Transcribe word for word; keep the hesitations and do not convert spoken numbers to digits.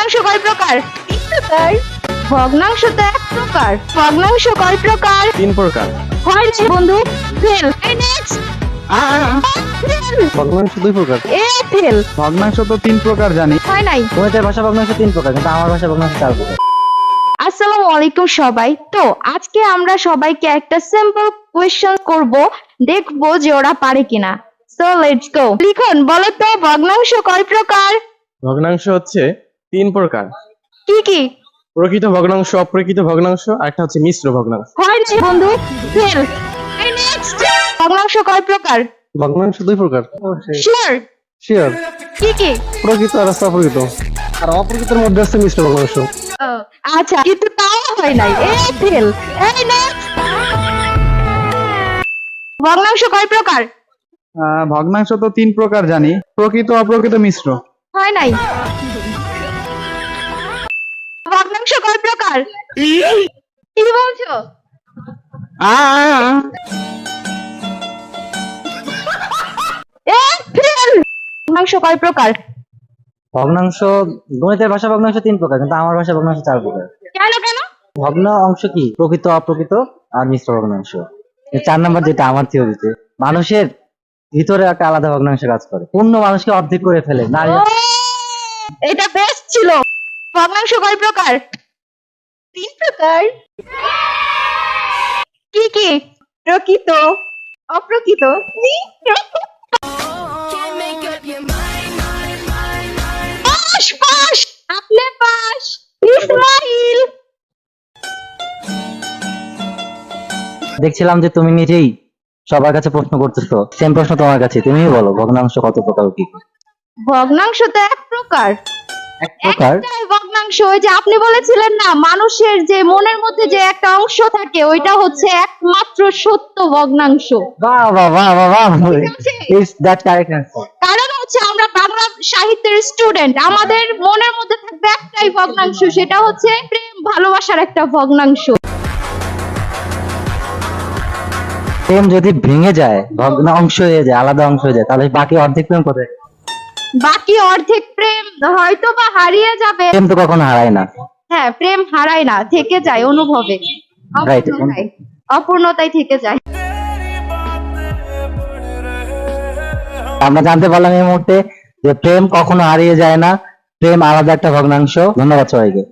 ভগ্নাংশ কয় প্রকার? তিন প্রকার। ভগ্নাংশ তো এক প্রকার। ভগ্নাংশ কয় প্রকার? তিন প্রকার। হয় রে বন্ধু, ফেল। এই নেক্সট। ভগ্নাংশ দুই প্রকার। এ ফেল। ভগ্নাংশ তো তিন প্রকার জানি। হয় নাই। তোমাদের ভাষা ভগ্নাংশ তিন প্রকার, কিন্তু আমার ভাষা ভগ্নাংশ চার প্রকার। আসসালামু আলাইকুম সবাই। তো আজকে আমরা সবাইকে একটা সিম্পল কোয়েশ্চেন করব, দেখবো যে ওরা পারে কিনা। So let's go. লিখন বলো তো ভগ্নাংশ কয় প্রকার? ভগ্নাংশ হচ্ছে তিন প্রকার। কি কি? প্রকৃত ভগ্নাংশ, অপ্রকৃত ভগ্নাংশ, আর একটা হচ্ছে মিশ্র ভগ্নাংশ। হয় রে বন্ধু, ফেল। এই নেক্সট। ভগ্নাংশ কয় প্রকার? ভগ্নাংশ দুই প্রকার। শিওর? শিওর। কি কি? প্রকৃত আর আছে অপ্রকৃত। আর অপ্রকৃতের মধ্যে আছে মিশ্র ভগ্নাংশ। ও, আচ্ছা, কিন্তু তাও হয় নাই। এ ফেল। এই নেক্সট। ভগ্নাংশ কয় প্রকার? আহ, ভগ্নাংশ তো তিন প্রকার জানি। প্রকৃত, অপ্রকৃত, মিশ্র। হয় নাই। ভগ্নাংশ কয় প্রকার? কি বলছো? এ ফেল। ভগ্নাংশ কয় প্রকার? ভগ্নাংশ, গণিতের ভাষা ভগ্নাংশ তিন প্রকার, কিন্তু আমার ভাষা ভগ্নাংশ চার প্রকার। কেন কেন? ভগ্ন অংশ কি? প্রকৃত, অপ্রকৃত আর মিশ্র ভগ্নাংশ। এই চার নাম্বার যেটা আমার থিওরিতে, মানুষের ভিতরে একটা আলাদা ভগ্নাংশ কাজ করে, পূর্ণ মানুষকে অর্ধেক করে ফেলে। নারী ও, এটা বেস্ট ছিল। ভগ্নাংশ কয় প্রকার? তিন প্রকার। কি কি? প্রকৃত, অপ্রকৃত, মিশ্র। পাস পাস, আপনি পাস। ইসমাইল। দেখছিলাম যে তুমি নিজেই সবার কাছে প্রশ্ন করতেছো, সেম প্রশ্ন তোমার কাছে। তুমিই বলো ভগ্নাংশ কত প্রকার ও কি কি? ভগ্নাংশ তো এক প্রকার। এক প্রকার। একটাই ভগ্নাংশ। ওই যে আপনি বলেছিলেন না, মানুষের যে মনের মধ্যে যে একটা অংশ থাকে, ওইটা হচ্ছে একমাত্র সত্য ভগ্নাংশ। বাহ বাহ বাহ বাহ বাহ, ঠিক আছে? Is that correct answer. কারণ হচ্ছে আমরা বাংলা সাহিত্যের স্টুডেন্ট, আমাদের মনের মধ্যে থাকবে একটাই ভগ্নাংশ, সেটা হচ্ছে প্রেম ভালোবাসার একটা ভগ্নাংশ। প্রেম যদি ভেঙে যায়, ভগ্ন অংশ হয়ে যায়, আলাদা অংশ হয়ে যায়, তাহলে বাকি অর্ধেক প্রেম কোথায়? বাকি অর্ধেক প্রেম হয়তো বা হারিয়ে যাবে। প্রেম তো কখনো হারায় না। হ্যাঁ, প্রেম হারায় না, থেকে যায় অনুভবে। Right. অপূর্ণতায় অপূর্ণতায় থেকে যায়। আমরা জানতে পারলাম এই মুহূর্তে যে প্রেম কখনো হারিয়ে যায় না, প্রেম আলাদা একটা ভগ্নাংশ। ধন্যবাদ সবাইকে।